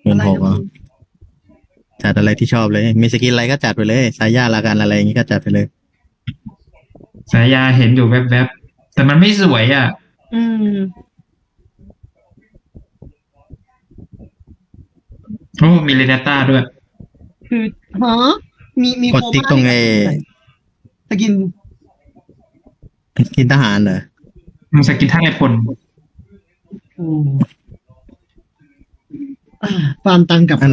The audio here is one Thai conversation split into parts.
อะไรนะมึงจัดอะไรที่ชอบเลย มีสกินอะไรก็จัดไปเลยสายญาลากันอะไรอย่างงี้ก็จัดไปเลยสายยาเห็นอยู่แวบๆแต่มันไม่สวยอ่ะอืมโอ้มีเรเนต้าด้วยคือฮะมีกดติ๊กตรงไอ้สกินกินทหารเหรอมึงสกินท่าไอพลอืมฟาร์มตังค์กับอัน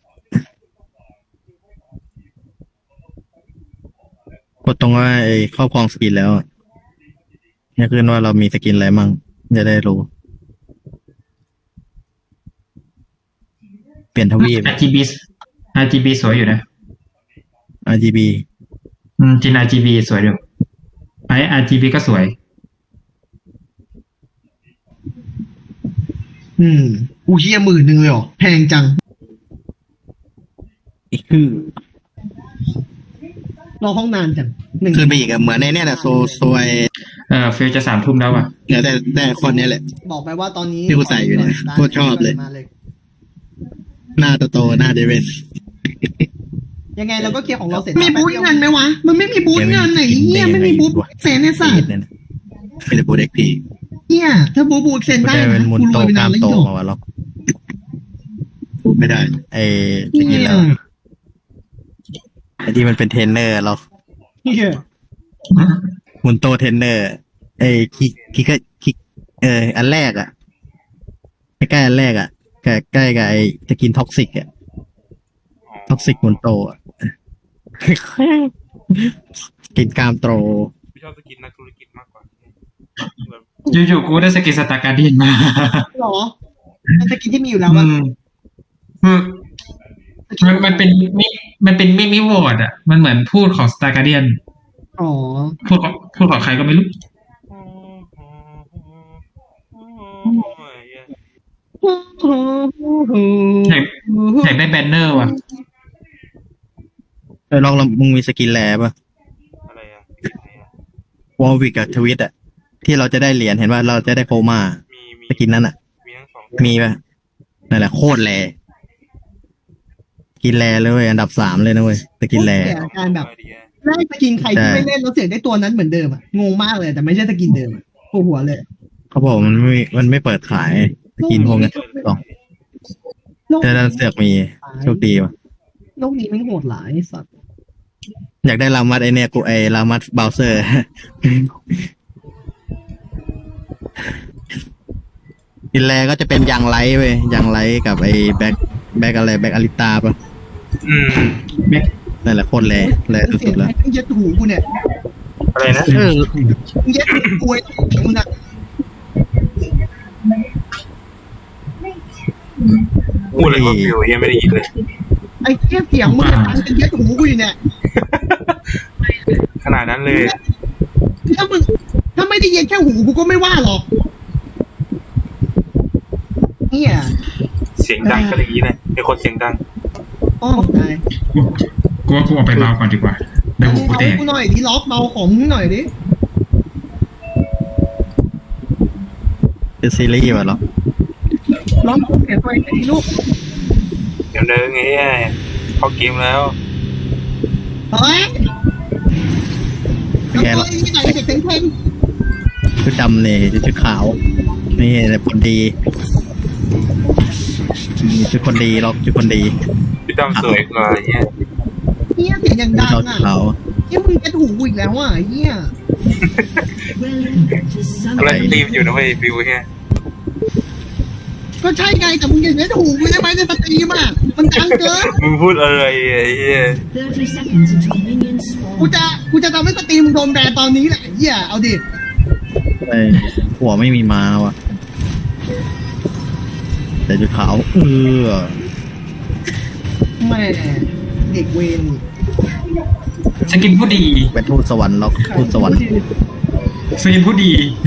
กดตรงว่าไอ้ครอบครองสกินแล้วเนี่ยคือว่าเรามีสกินอะไรมั่งจะได้รู้ เปลี่ยนทวีป RGB RGB สวยอยู่นะ RGB จิน RGB สวยอยู่ไอ RGB ก็สวยอูเฮีย10,000เลยเหรอแพงจังคือรอห้องนานจัง1 ขึ้นไปอีกอะเหมือนในเนี่ยแหละโซยฟิลจะ3 ทุ่มแล้วอ่ะเนี่ยได้คนเนี้ยแหละบอกไปว่าตอนนี้ที่กูใส่อยู่เนี่ยโคตรชอบเลยมาเลยหน้าโตๆหน้าเดวินยังไงเราก็เคลียร์ของเราเสร็จมีบูทเงินไหมวะ มันไม่มีบูทเงินไหนเฮียไม่มีบูทเซนในสัตว์ไม่ได้บูเด็กพีเฮียถ้าบูทเซนได้ได้เป็นนะมุนกูโตรวยไปกนาล้าน มแล้วโตอีกมาวะล็อกพูดไม่ได้ ไอ้สกินแล้วไอ้ที่มันเป็นเทรนเนอร์ล็อกเฮียมุนโตเทรนเนอร์ไอ้คิกอันแรกอะใกล้ๆอันแรกอะใกล้กับไอ้จะกินท็อกซิกอะท็อกซิกมุนโตอะ กินกล้ามโตพี่ชอบสกินนักธุรกิจมากกว่าแบบอยู่ๆกูได้สกินสตาร์การ์เดียนมาหรอมันจะกินที่มีอยู่แล้วอะคือมันเป็นมินิวอร์ดอ่ะ มันเหมือนพูดของสตาร์การ์เดียนอ๋อพูดของใครก็ไม่รู้ อยากได้แบนเนอร์ว่ะลองมึงมีสกินแลป่ะอะไรอ่ะวอลวิกกับทวิตอะที่เราจะได้เหรียญเห็นว่าเราจะได้โคม่ามีสกินนั้นอะมีทั้งสองมีป่ะนั่นแหละโคตรแลกินแลเลยเว้ยอันดับ3เลยนะเว้ยสกินแลแต่การแบบได้สกินใครที่ไม่เล่นแล้วเสียได้ตัวนั้นเหมือนเดิมอะงงมากเลยแต่ไม่ใช่สกินเดิมอะปวดหัวเลยเขาบอกมันไม่เปิดขายสกินพวกนี้หรอกโลกแต่ดันเสือกมีโชคดีว่ะโลกนี้มันโหดหลายไอ้สัตว์อยากได้รามัดไอเนี่ยกูไอรามัดเบลเซอร์ กินแลก็จะเป็นยังไลท์เว้ยยังไลท์กับไอแบ็กอะไรแบ็กอลิตาป่ะอืมนั่นแหละโคตรแลสุดๆแล้วมึงยัดหูกูเนี่ยอะไรนะมึงยัดหูกูไอ้มึงอะพูดอะไรก็ฟิวยังไม่ได้ยินเลยไอ้แค่เสียงมึงเนี่ยดังจนยัดหูกูอยู่เนี่ยขนาดนั้นเลยถ้าไม่ได้ยินแค่หูกูก็ไม่ว่าหรอกเนี่ยเสียงดังก็อย่างนี้นะเป็นคนเสียงดังอ๋อได้กูว่ากูเอาไปเบาก่อนดีกว่าเดี๋ยวหูกูเอาแตกกูหน่อยดิล็อกเบาของมึงหน่อยดิเป็นซีรีส์ว่ะหรอล็อกเสียงตัวเองดิลูกเดี๋ยวเดินไงเข้าเกมแล้วเฮ้ยเอาตัวนี้หน่อยเด็กเพลงชุดดำเนี่ยชุดขาว นี่แต่คนดีชุดคนดีล็อกชุดคนดีพี่ดำสวยกว่าเนี่ยเฮียเสียงอย่างดังเราอ่ะขาวเฮียมึงยัดหูกูอีกแล้วอ่ะเฮียอะไรตีมอยู่นะเว้ยฟิวเนี่ยก็ใช่ไงแต่มึงอย่ายัดหูกูได้ไหมในสตรีมอ่ะมันดังเกินมึงพูดอะไรไอ้เหี้ย 30 seconds until minions spawn. กูจะทำให้สตรีมมึงโดนแบนตอนนี้แหละเฮียเอาดิไอ้หัวไม่มีม้าว่ะแต่ชุดขาวแม่เด็กเวรสกินผู้ดีเป็นทูตสวรรค์ล็อกทูตสวรรค์สกินผู้ดี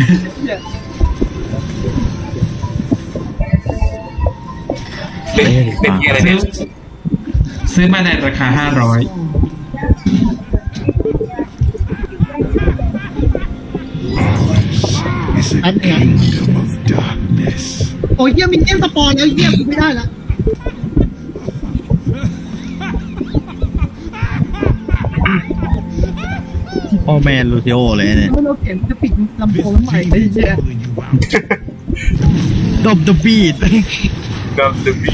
เป็นที่อะไรเนี่ยซื้อมาในราคา 500 แป๊บนึงนะโอ้ยเฮียมินเนียนสปอนแล้วเฮียกูไม่ได้ละพ่อแมนลูซิโอเลยเนี่ยแล้วเราเขียนจะปิดลำโพงใหม่ได้เจ๊ดบดบีดกับเดอะบี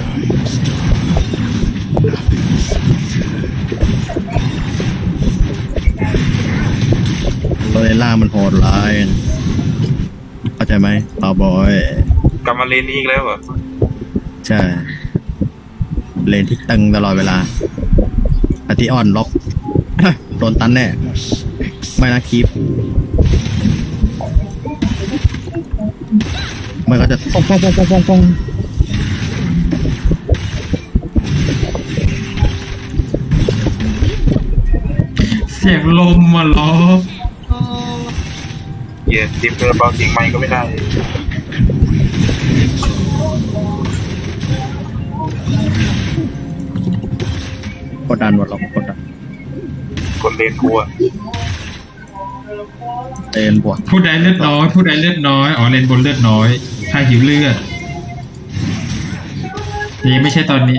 โรเลล่ามันโหดร้ายเข้าใจไหมคาวบอยกลับมาเลนนี้อีกแล้วเหรอใช่เลนที่ตึงตลอดเวลาอาทิออนล็อก โดนตันแน่ ไม่นะคีปมันก็จะปองปองปองปองปองปองเสียงลมมาล้อเหี้ยทีมเธอเบาจริงไหมก็ไม่ได้กดดันหมดหรอกกดดันคนเลนกูอะเลนบวกผู้ใดเลือดน้อยผู้ใดเลือดน้อยอ๋อเลนบนเลือดน้อยถ้าหิวเลือดนี่ไม่ใช่ตอนนี้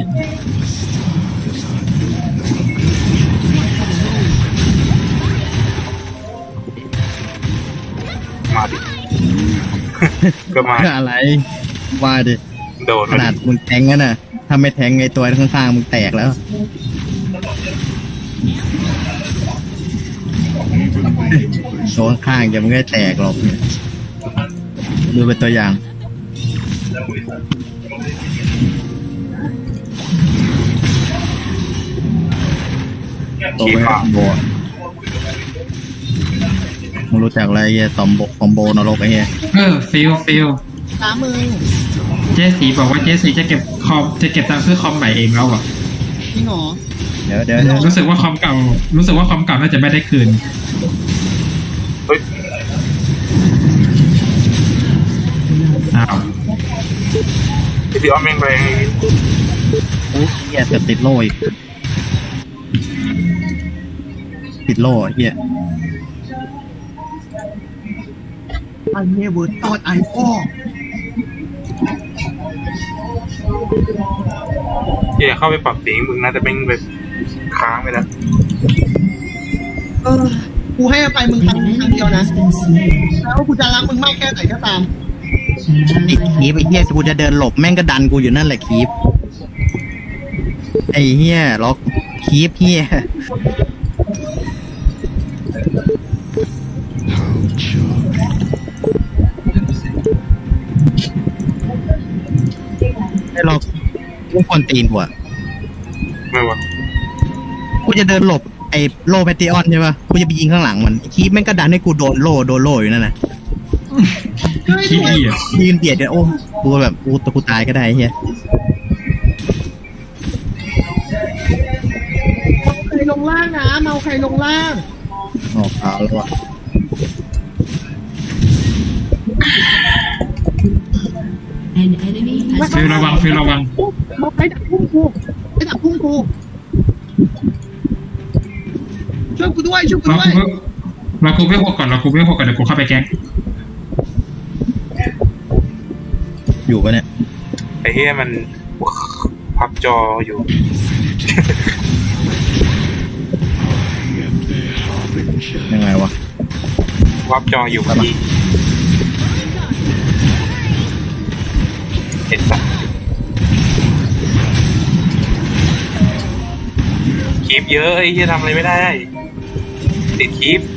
มาดิ ก็มาอะไรว่าดิโดนขนาดมึงแทงกันน่ะถ้าไม่แทงไอตัวข้างๆมึงแตกแล้วตัวข้างๆจะมึงไม่แตกหรอกเนี่ยดูเป็นตัวอย่างตัวขี่ไม่มาคอมโบอะมึงรู้จักอะไรเฮียคอมโบนรกไอ้เฮียฟิลสามมือเจสีบอกว่าเจสีจะเก็บตังค์ซื้อคอมใหม่เองแล้วอ่ะจริงเหรอเดี๋ยวรู้สึกว่าคอมเก่าน่าจะไม่ได้คืนเฮ้ยอ้าวพี่ออมแม่งแรงไอ้โอ้ยเฮียแต่ติดโล่อีกติดโล่อะเฮียไอเนเวอร์ตอดไอพ่อเหี้ยเข้าไปปรับเสียงมึงน่าจะเป็นแบบค้างไปแล้วกูให้อภัยมึงครั้ง An เดียว enemy นะ has been slain. แล้วกูจะรักมึงมากแค่ไหนก็ตามไอ้คีบไอ้เฮียกูจะเดินหลบแม่งก็ดันกูอยู่นั่นแหละคีบไอ้เฮียล็อกคีบเฮียไม่ล็อกกูคนตีนกูอะไม่วะกูจะเดินหลบไอ้โล่แพตติออนใช่ปะกูจะไปยิงข้างหลังมันคีบแม่งก็ดันให้กูโดนโล่อยู่นั่นน่ะขี้เกียจยืนเบียดกันโอ้กูแบบกูตายก็ได้ไอ้เฮียใครลงล่างนะเมาใครลงล่างออกข่าวแล้วว่ะ An enemy has ฟิลระวังเมาใครดักพุ่งกูไอ้ดักพุ่งกูช่วยกูด้วยเราคูเวลก่อนเดี๋ยวกูเข้าไปแก๊งอยู่ปะเนี่ยไอ้เหี้ยมันพับจออยู่ยังไงวะพับจออยู่พอดีเห็นปะคีบเยอะไอ้เหี้ยทำอะไรไม่ได้ติดคีบ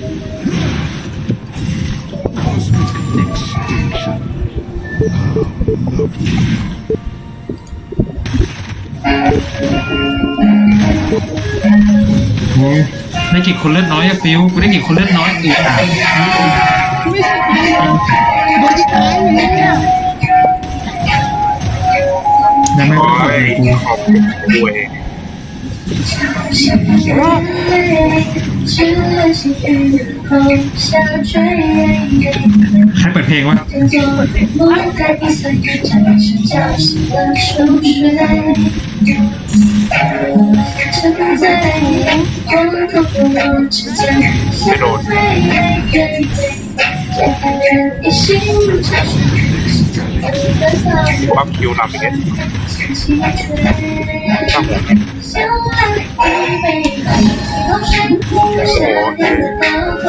โอ้ได้กี่คนเลือดน้อยอะฟิลกูได้กี่คนเลือดน้อยอีกอ่ะไม่ใช่โดนที่ท้ายอยู่เนี่ยยังไม่โอ้ได้ยกูขอบคุณด้วยใครเปิดเพลงวะไม่โดนปั๊บคิวนำอีกแล้วครับผมโอ้โห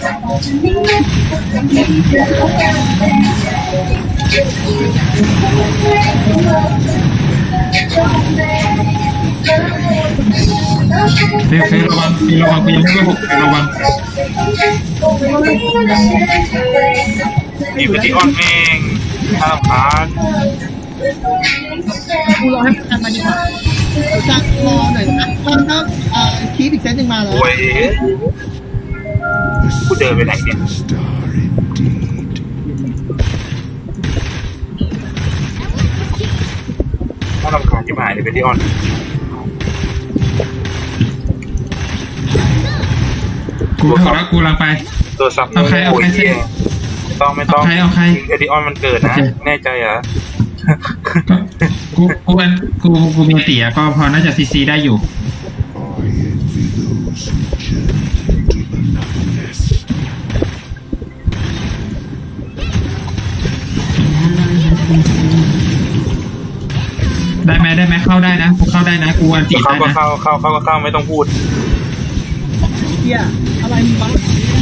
ฟิลระวังฟิลระวังกูยังไม่หกฟิลระวังนี่เป็นที่ออนแม่งถ้ารำคาญกูรอให้มันทำมาดีกว่าจะรอหน่อยนะตอนนั้นคีบอีกเซตหนึ่งมาแล้วโอ้ยกูเดินไปไหนเนี่ยถ้ารำคาญที่หายเลยเป็นที่ออนกูถูกแล้วกูกำลังไปตัวซับเอาใครเอาใครเสร็จไม่ต้องเอาใครเอดิออนมันเกิดนะโอเคแน่ใจเหรอกูมีเตี๋ยก็พอน่าจะซีได้อยู่ ได้ไหมเข้าได้นะกูเข้าได้นะกูอันจีเข้าได้ก็นะเข้าไม่ต้องพูดเฮียอะไรมึงวะ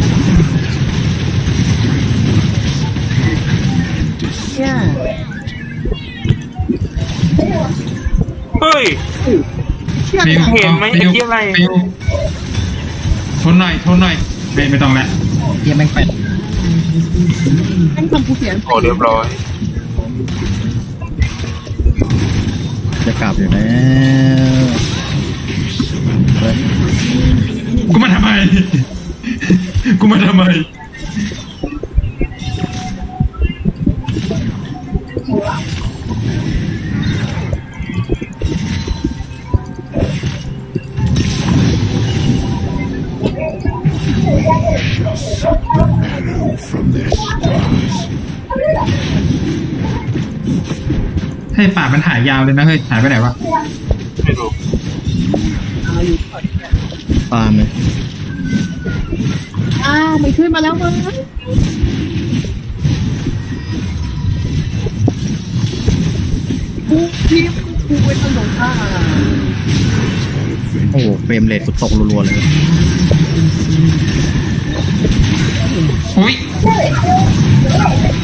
เนี่ยเฮ้ยเชี่ยฟิวเห็นไหมฟิวไอ้เหี้ยอะไรฟิวทนหน่อยไม่ต้องแล้วเฮียแม่งแปดแม่งทำกูเสียโอ้เรียบร้อยจะกลับอยู่แล้วเฮ้ยกูมาทำไม ให้ป่ามันหายยาวเลยนะเฮ้ยหายไปไหนวะไม่รู้ปาล์มเลยอ้าวไม่ขึ้นมาแล้วมึงกูทีมกูเป็นถนนท่าโอ้โหเฟรมเรทกูตกรัวๆเลยอุ้ย